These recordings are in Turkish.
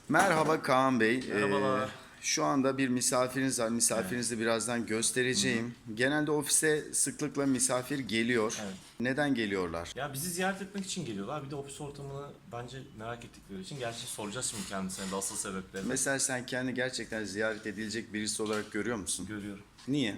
Merhaba Kaan Bey. Merhabalar. Şu anda bir misafiriniz var. Misafirinizi birazdan göstereceğim. Genelde ofise sıklıkla misafir geliyor. Evet. Neden geliyorlar? Ya bizi ziyaret etmek için geliyorlar. Bir de ofis ortamını bence merak ettikleri için. Gerçi soracağız şimdi kendisine de asıl sebeplerini. Mesela sen kendi gerçekten ziyaret edilecek birisi olarak görüyor musun? Görüyorum. Niye?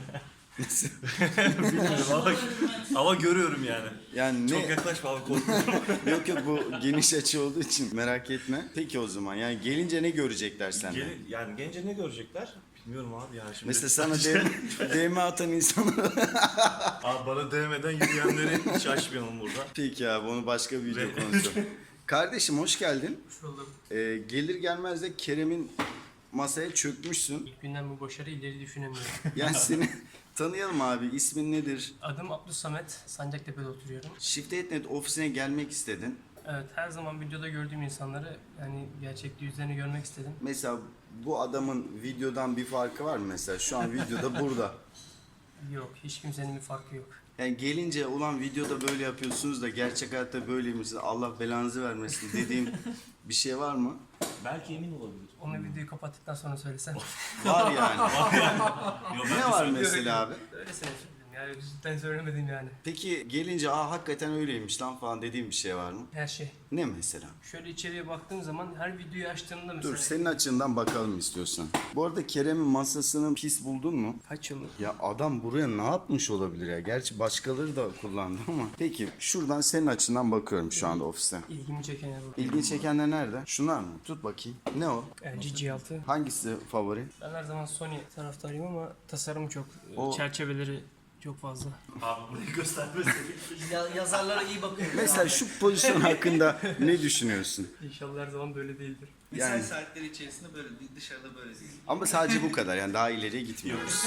Bilmiyorum ama görüyorum yani. Yani Çok ne? yaklaşma abi, korkuyorum. Yok yok, bu geniş açı olduğu için merak etme. Peki o zaman yani gelince ne görecekler senden? Yani gelince ne görecekler? Bilmiyorum abi ya şimdi. Mesela sana DM atan insanlar... Abi bana değmeden yürüyenleri hiç açmayalım burada. Peki abi, onu başka bir video konusu. Kardeşim hoş geldin. Hoş bulduk. Gelir gelmez de Kerem'in masaya çökmüşsün. İlk günden bu başarı ileri düşünemiyorum. Yani seni tanıyalım abi. İsmin nedir? Adım Abdülsamet, Sancaktepe'de oturuyorum. Shift.net ofisine gelmek istedin. Evet, her zaman videoda gördüğüm insanları yani gerçekte yüzlerini görmek istedim. Mesela bu adamın videodan bir farkı var mı mesela? Şu an videoda burada. Yok, hiç kimsenin bir farkı yok. Yani gelince ulan videoda böyle yapıyorsunuz da gerçek hayatta böyleymişsiniz. Allah belanızı vermesin dediğim bir şey var mı? Belki emin olabilir. Onu videoyu kapattıktan sonra söylesem. Var yani. Yok, Ne var mesela abi? Öylesine söyledim yani, cidden söylemedim yani. Peki gelince hakikaten öyleymiş lan falan dediğim bir şey var mı? Her şey. Ne mesela? Şöyle içeriye baktığım zaman her videoyu açtığımda mesela... Dur, senin açından bakalım istiyorsan. Bu arada Kerem'in masasını pis buldun mu? Kaç yıllık? Ya adam buraya ne yapmış olabilir ya? Gerçi başkaları da kullandı ama. Peki şuradan senin açından bakıyorum şu anda ofiste. İlgimi çeken yer bu. İlgin çekenler nerede? Şunlar mı? Tut bakayım. Ne o? LG G6. Hangisi favori? Ben her zaman Sony taraftarıyım ama tasarımı çok, O- çerçeveleri çok fazla. Abi burayı göstermesin. Yazarlara iyi bakın. Mesela şu pozisyon hakkında ne düşünüyorsun? İnşallah her zaman böyle değildir. Mesai Yani- saatleri içerisinde böyle değil, dışarıda böyle değil. Ama sadece bu kadar, yani daha ileriye gitmiyoruz.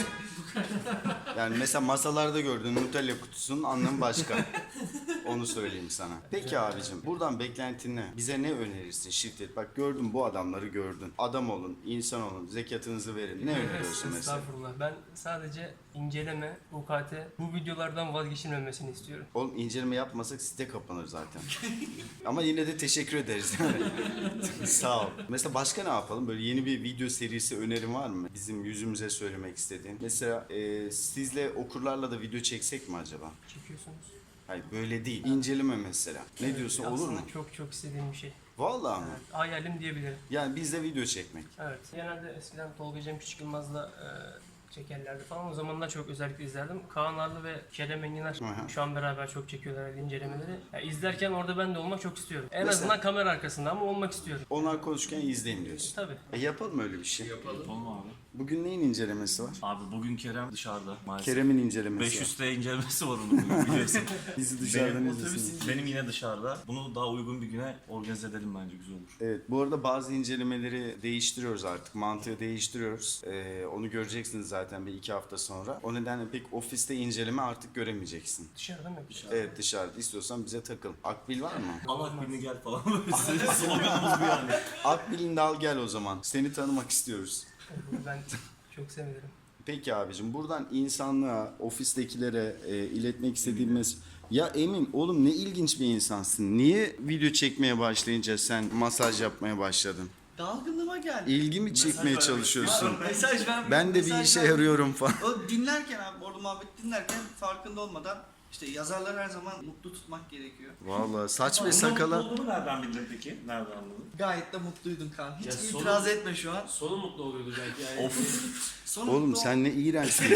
Yani mesela masalarda gördüğün Nutella kutusunun anlamı başka. Onu söyleyeyim sana. Peki abicim, buradan beklentin ne? Bize ne önerirsin Shift.net? Bak gördün, bu adamları gördün. Adam olun, insan olun, zekatınızı verin. Ne öneriyorsun mesela? Estağfurullah. Ben sadece inceleme, UKT, bu videolardan vazgeçilmemesini istiyorum. Oğlum inceleme yapmasak site kapanır zaten. Ama yine de teşekkür ederiz. Yani. Sağ ol. Mesela başka ne yapalım? Böyle yeni bir video serisi önerin var mı? Bizim yüzümüze söylemek istediğin. Mesela sizle okurlarla da video çeksek mi acaba? Çekiyorsunuz. Hayır böyle değil. İnceleme mesela. Ne diyorsun, olur mu? Aslında çok çok istediğim bir şey. Vallahi mı? Hayalim diyebilirim. Yani bizle video çekmek. Evet. Genelde eskiden Tolga Cem Küçük Yılmaz'la çekerlerdi falan. O zamanlar çok özellikle izlerdim. Kaan Arlı ve Kerem Enginar Hı hı. şu an beraber çok çekiyorlar incelemeleri. Yani izlerken orada ben de olmak çok istiyorum. En Mesela- azından kamera arkasında ama olmak istiyorum. Onlar konuşurken izleyin diyorsun. Tabii. Yapalım öyle bir şey. Yapalım abi. Bugün neyin incelemesi var? Abi bugün Kerem dışarıda maalesef. Kerem'in incelemesi var. 500 incelemesi var onun bugün, biliyorsun. Bizi dışarıdan benim, izlesin. benim yine dışarıda. Bunu daha uygun bir güne organize edelim, bence güzel olur. Evet, bu arada bazı incelemeleri değiştiriyoruz artık. Mantığı değiştiriyoruz. Onu göreceksiniz zaten bir 2 hafta sonra. O nedenle pek ofiste inceleme artık göremeyeceksin. Dışarıda mı yapacağız? Evet, dışarıda istiyorsan bize takıl. Akbil var mı? Allah birini gel falan. Sloganımız bu yani. Akbil'ini de al gel o zaman. Seni tanımak istiyoruz. Ben çok sevinirim. Peki abicim, buradan insanlığa, ofistekilere iletmek istediğim Ya Emin, oğlum ne ilginç bir insansın. Niye video çekmeye başlayınca sen masaj yapmaya başladın? Dalgınlığıma geldi. İlgimi çekmeye çalışıyorsun. Mesaj vermiyorum. Ben de bir mesaj işe vermiyorum. yarıyorum falan. O dinlerken abi, orada muhabbet dinlerken farkında olmadan işte yazarları her zaman mutlu tutmak gerekiyor. Vallahi saç ve Bunun sakala... olduğunu nereden bildin peki? Nereden anladın? Gayet de mutluydun Kaan. Hiç Ya itiraz etme şu an. Sonu mutlu oluyordu belki yani. Of. Sonu Oğlum mutlu sen ne iğrençsin.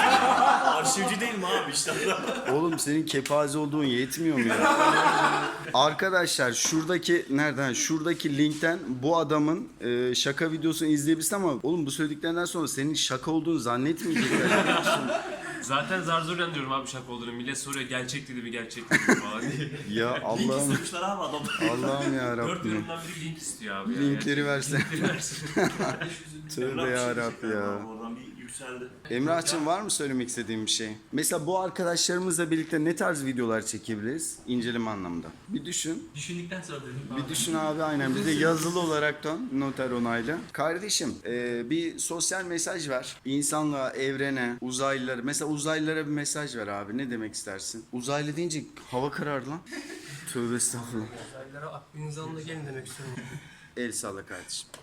Arşivci değil mi abi işte? Oğlum senin kepaze olduğun yetmiyor mu ya? Arkadaşlar şuradaki nereden? Şuradaki linkten bu adamın şaka videosunu izleyebilirsin ama oğlum bu söylediklerinden sonra senin şaka olduğunu zannetmeyecekler, biliyor musun? Zaten zar zor diyorum abi şaka olduğunu. Millet soruyor gerçek dedi mi gerçek dedi mi falan diye. Ya Link Allah'ım, istemişler abi adam. Allah'ım ya Dört Rabbim. yorumdan biri link istiyor abi. Linkleri versen. Linkleri versin. Tövbe ya Rabbi ya. Oradan bir yükseldi. Emrah'cığım var mı söylemek istediğin bir şey? Mesela bu arkadaşlarımızla birlikte ne tarz videolar çekebiliriz inceleme anlamında? Bir düşün. Düşündükten sonra dedim. Bir düşün abi, aynen. Bir de yazılı olaraktan noter onayla. Kardeşim bir sosyal mesaj ver. İnsanlığa, evrene, uzaylılara. Mesela uzaylılara bir mesaj ver abi. Ne demek istersin? Uzaylı deyince hava karardı lan. Tövbe estağfurullah. Uzaylılara aklınızı alın da gelin demek istiyorum. El salla kardeşim.